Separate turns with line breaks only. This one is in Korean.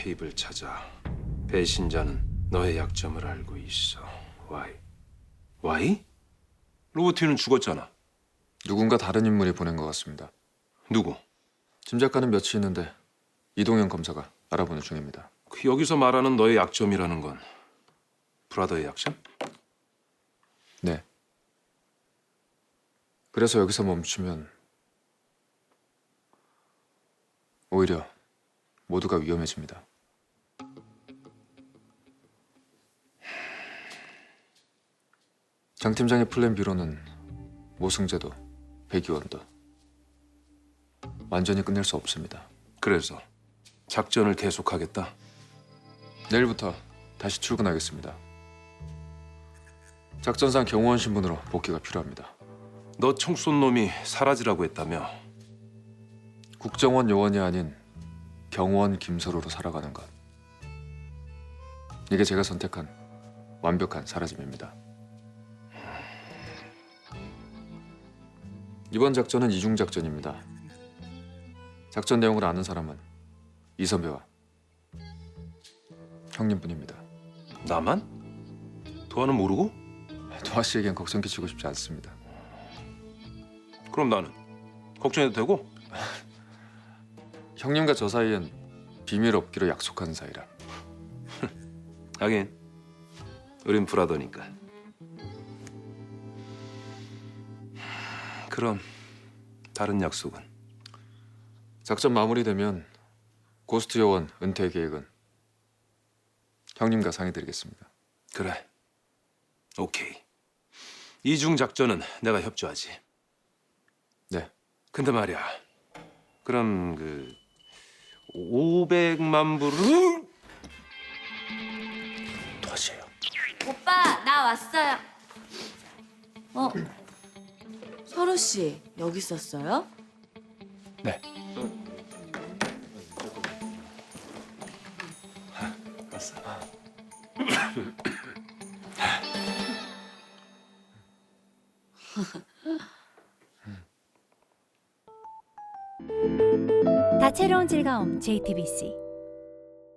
케이블 찾아. 배신자는 너의 약점을 알고 있어. 와이. 와이? 로버티는 죽었잖아.
누군가 다른 인물이 보낸 것 같습니다.
누구?
짐작가는 몇이 있는데 이동현 검사가 알아보는 중입니다.
그 여기서 말하는 너의 약점이라는 건 브라더의 약점?
네. 그래서 여기서 멈추면 오히려 모두가 위험해집니다. 장 팀장의 플랜 B로는 모승제도, 배기원도 완전히 끝낼 수 없습니다.
그래서 작전을 계속하겠다.
내일부터 다시 출근하겠습니다. 작전상 경호원 신분으로 복귀가 필요합니다.
너 총 쏜 놈이 사라지라고 했다며.
국정원 요원이 아닌 경호원 김서로로 살아가는 것. 이게 제가 선택한 완벽한 사라짐입니다. 이번 작전은 이중 작전입니다. 작전 내용을 아는 사람은 이선배와 형님뿐입니다.
나만? 도하는 모르고?
도하 씨에겐 걱정 끼치고 싶지 않습니다.
그럼 나는 걱정해도 되고?
형님과 저 사이엔 비밀 없기로 약속한 사이라.
하긴 우린 브라더니까. 그럼 다른 약속은?
작전 마무리되면 고스트 요원 은퇴 계획은 형님과 상의드리겠습니다.
그래. 오케이. 이중 작전은 내가 협조하지.
네.
근데 말이야. 그럼 500만 불을 도와줘요.
오빠, 나 왔어요. 서로 씨 여기 있었어요?
네. 왔어.
다채로운 즐거움 JTBC